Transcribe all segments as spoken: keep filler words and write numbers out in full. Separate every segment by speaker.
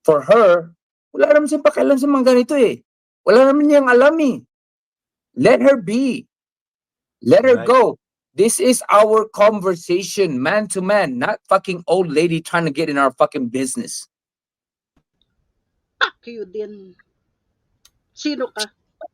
Speaker 1: for her, wala naman siyang pakialam sa mga ganito eh. Wala naman niyang alam eh. Let her be. Let her
Speaker 2: Right.
Speaker 1: go. This is our conversation, man to man, not fucking old lady trying to get in our fucking business.
Speaker 3: Fuck you din. Sino ka?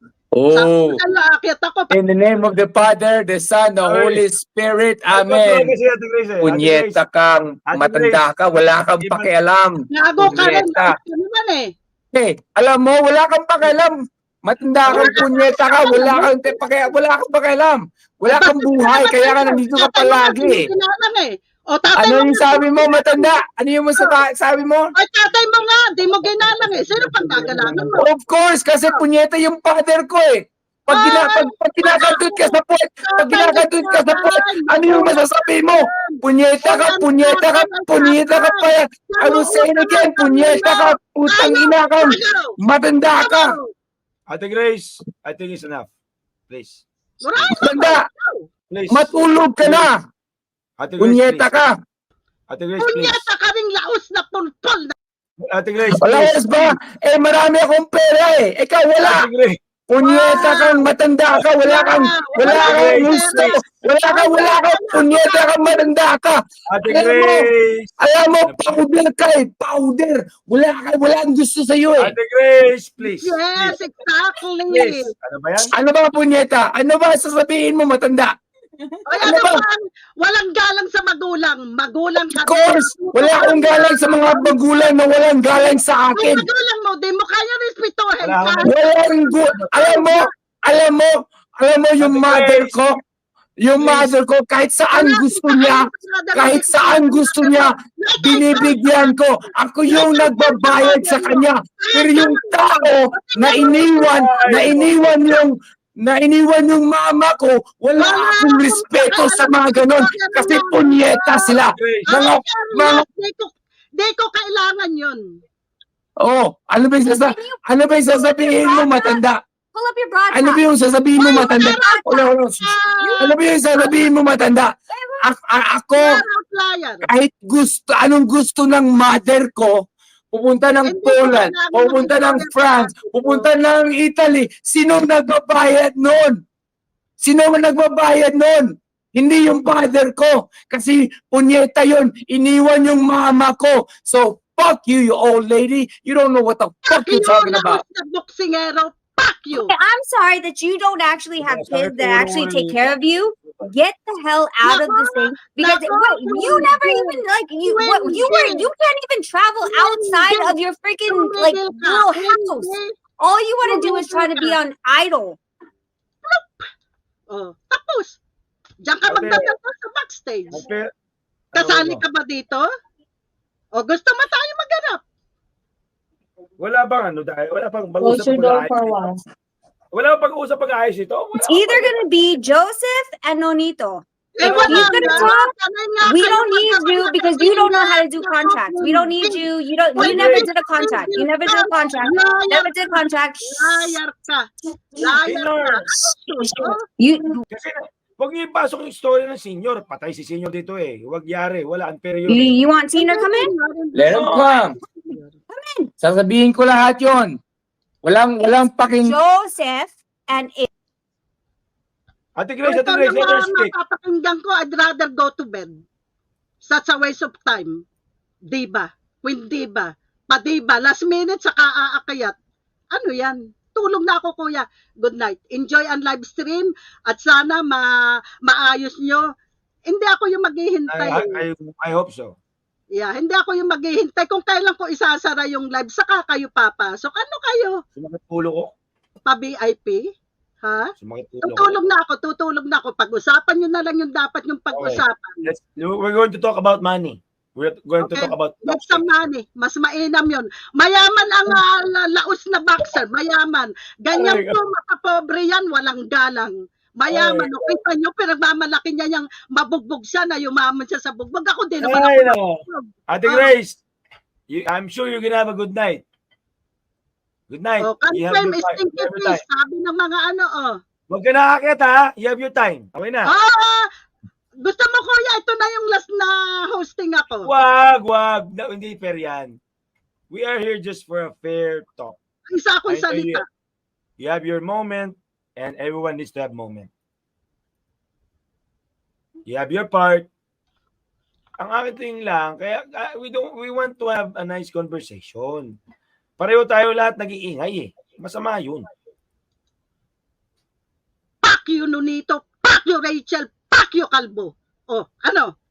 Speaker 1: Oh,
Speaker 3: Sabi na aakyat ako.
Speaker 1: in the name of the Father, the Son, the
Speaker 2: Ay.
Speaker 1: Holy Spirit,
Speaker 2: Ito
Speaker 1: Amen.
Speaker 2: kasi, Ate Grace, eh. Ate
Speaker 1: Punyeta
Speaker 2: Grace,
Speaker 1: kang,
Speaker 2: Ate
Speaker 1: matanda
Speaker 2: Grace,
Speaker 1: ka, wala kang
Speaker 2: iba-
Speaker 1: pakialam.
Speaker 3: Gago ka rin.
Speaker 1: Punyeta.
Speaker 3: Ano naman eh.
Speaker 1: Eh, alam mo, wala kang pakialam. Matanda kang punyeta ka, wala kang te- pakialam, wala kang pakialam. Wala kang buhay, kaya ka nandito ka palagi.
Speaker 3: Eh. O tatay
Speaker 1: Ano
Speaker 3: mo
Speaker 1: yung
Speaker 3: nga,
Speaker 1: sabi mo, matanda? Ano yung sa sabi mo?
Speaker 3: Ay, tatay mo nga, di mo ginalang eh. Sino pang gagalangan mo?
Speaker 1: Of course, kasi punyeta yung father ko eh. Pag, gina, pag, pag kinakadut ka sa puwet, pag kinakadut ka sa puwet, ano yung masasabi mo? Punyeta ka, punyeta ka, punyeta ka pa yan. I will say it again, punyeta ka, putang ina ka, matanda ka.
Speaker 2: Ate Grace, I think it's enough. Please.
Speaker 1: Matanda,
Speaker 2: Please.
Speaker 1: matulog ka na.
Speaker 2: Ate Grace,
Speaker 1: Punyeta
Speaker 2: please.
Speaker 1: ka.
Speaker 2: Ate Grace, please.
Speaker 3: Punyeta ka ring laos na pulpol.
Speaker 2: Ate Grace,
Speaker 1: Wala
Speaker 2: please.
Speaker 1: oras ba? Eh, marami akong pera eh. Ikaw wala.
Speaker 2: Ate Grace.
Speaker 1: Punyeta kang matanda ka, wala kang, wala kang gusto, wala kang, wala kang, punyeta kang matanda ka.
Speaker 2: Ate
Speaker 1: Alam mo,
Speaker 2: Grace.
Speaker 1: alam mo, powder ka eh, powder. Wala ka, wala kang gusto sa'yo eh.
Speaker 2: Ate Grace, please.
Speaker 3: Yes,
Speaker 2: Please.
Speaker 3: exactly.
Speaker 2: Please. Ano ba yan?
Speaker 1: Ano ba punyeta? Ano ba sasabihin mo matanda?
Speaker 3: Ay,
Speaker 1: Ano
Speaker 3: ano
Speaker 1: ba?
Speaker 3: ba? Walang galang sa magulang. Magulang ka.
Speaker 1: Of course, wala akong galang sa mga magulang na walang galang sa
Speaker 3: Ay,
Speaker 1: akin.
Speaker 3: magulang mo, di mo kaya respetuhin
Speaker 2: Wala
Speaker 3: ka.
Speaker 2: akong-
Speaker 1: Walang gu- alam mo, alam mo, alam mo yung
Speaker 2: Ate
Speaker 1: mother
Speaker 2: Grace.
Speaker 1: ko, yung
Speaker 2: Please.
Speaker 1: mother ko, kahit saan gusto niya, kahit saan gusto niya, binibigyan ko. Ako yung nagbabayad sa kanya. Pero yung tao na iniwan, na iniwan yung, na iniwan yung mama ko, wala akong respeto sa mga ganon. Kasi punyeta sila.
Speaker 2: Grace.
Speaker 1: Mga, mga,
Speaker 3: Di ko, di ko kailangan yun.
Speaker 1: oh, ano ba yung sasa, ano ba yung sasabihin mo matanda?
Speaker 4: Pull up your broadcast.
Speaker 1: Ano ba yung sasabihin mo matanda? Wala, wala. Ano ba yung sasabihin mo matanda? A- a- ako,
Speaker 3: You're outlier.
Speaker 1: kahit gusto, anong gusto ng mother ko, pupunta ng
Speaker 3: Hindi ko
Speaker 1: Poland,
Speaker 3: kailangan
Speaker 1: pupunta ng
Speaker 3: mag-istorya
Speaker 1: France,
Speaker 3: sa akin.
Speaker 1: pupunta ng Italy, sino nagbabayad nun? Sino ang nagbabayad nun? Hindi yung father ko. Kasi punyeta yun, iniwan yung mama ko. So, fuck you, you old lady. You don't know what the fuck you're talking about.
Speaker 3: Sa boksingero, fuck you.
Speaker 4: Okay, I'm sorry that you don't actually have
Speaker 2: Sorry
Speaker 4: kids that
Speaker 2: for
Speaker 4: actually take
Speaker 2: ruining-
Speaker 4: care of you. Get the hell out of this thing because
Speaker 3: Nako,
Speaker 4: wait, you never even like you what you were you can't even travel outside of your freaking like little house. All you want to do is try to be on idle.
Speaker 3: Oh, tapos, diyan ka
Speaker 2: Okay.
Speaker 3: magdadasal sa backstage.
Speaker 2: Ate,
Speaker 3: Kasali
Speaker 2: ano ba?
Speaker 3: ka ba dito? O gusto mo tayo maghanap?
Speaker 2: Wala bang ano dahil? Wala pang
Speaker 5: Close
Speaker 2: pag-usap
Speaker 5: your door
Speaker 2: pag-aayos
Speaker 5: for a
Speaker 2: ito?
Speaker 5: while.
Speaker 2: Wala pang pag-usap pag-aayos ito? Wala
Speaker 4: It's either gonna be Joseph and Nonito.
Speaker 3: Eh,
Speaker 4: If
Speaker 3: wala
Speaker 4: he's gonna
Speaker 3: nga.
Speaker 4: talk,
Speaker 3: Sanay nga
Speaker 4: we
Speaker 3: kayo
Speaker 4: don't need you
Speaker 3: magkakasama
Speaker 4: because
Speaker 3: sa
Speaker 4: you don't know how to
Speaker 3: inyo.
Speaker 4: do contracts. We don't need you. You don't. You
Speaker 2: Wait,
Speaker 4: never
Speaker 2: wait.
Speaker 4: did a contract. You never did a contract. Never did a contract.
Speaker 3: Liar ka. Liar ka.
Speaker 2: Senior.
Speaker 4: You.
Speaker 2: Kasi huwag niyo ipasok yung story ng senior. Patay si senior dito eh. Huwag yari. Wala. Unfair yun.
Speaker 4: You,
Speaker 2: eh.
Speaker 4: you want Tina come in?
Speaker 1: Let him come. Sasabihin ko lahat yon. Walang, walang paking...
Speaker 4: Joseph and it.
Speaker 2: Ate Grace,
Speaker 3: Ito
Speaker 2: Ate Grace, let her
Speaker 3: naman,
Speaker 2: speak.
Speaker 3: mapapakinggan ko, I'd rather go to bed. Such a waste of time. Diba? Queen Diba. Pa-diba. Last minute, saka aakayat. Ano yan? Tulog na ako, kuya. Good night. Enjoy ang live stream at sana ma maayos nyo. Hindi ako yung maghihintay.
Speaker 2: I, I, I hope so.
Speaker 3: Yeah, hindi ako yung maghihintay kung kailan ko isasara yung live. Saka kayo papasok. Ano kayo?
Speaker 2: Sumakit ulo ko.
Speaker 3: Pa-V I P? Ha?
Speaker 2: Sumakit ulo ko.
Speaker 3: Tutulog na ako, tutulog na ako. Pag-usapan nyo na lang yung dapat yung pag-usapan.
Speaker 2: Let's, we're going to talk about money. We're going to
Speaker 3: Okay.
Speaker 2: talk about
Speaker 3: Get some money. Mas mainam yun. Mayaman ang uh, la- laos na boxer. Mayaman. Ganyan
Speaker 2: Ay,
Speaker 3: po, makapobre yan. Walang galang. Mayaman.
Speaker 2: Ay,
Speaker 3: O, kita nyo, pinagmamalaki niya yung mabugbog siya na yumaman siya sa bugbog. Ako din naman
Speaker 2: Ay,
Speaker 3: ako.
Speaker 2: no. Ate Grace, you, I'm sure you're gonna have a good night. Good night.
Speaker 3: Oh,
Speaker 2: You have
Speaker 3: confirm
Speaker 2: your
Speaker 3: is
Speaker 2: time.
Speaker 3: stinky
Speaker 2: You have your
Speaker 3: fish.
Speaker 2: time.
Speaker 3: Sabi ng mga ano, oh.
Speaker 2: Huwag ka nakakit ha. You have your time. Okay na.
Speaker 3: Ah! Gusto mo, kuya, ito na yung last na hosting ako.
Speaker 2: Wag, wag. No, hindi fair yan. We are here just for a fair talk.
Speaker 3: Isa akong
Speaker 2: I know you,
Speaker 3: salita.
Speaker 2: you have your moment, and everyone needs to have moment. You have your part. Ang akin thing lang, kaya uh, we don't we want to have a nice conversation. Pareho tayo lahat nag-iingay eh. Masama yun.
Speaker 3: Fuck you, Nonito. Fuck you, Rachel. Fuck you, Kalbo. Oh, ano?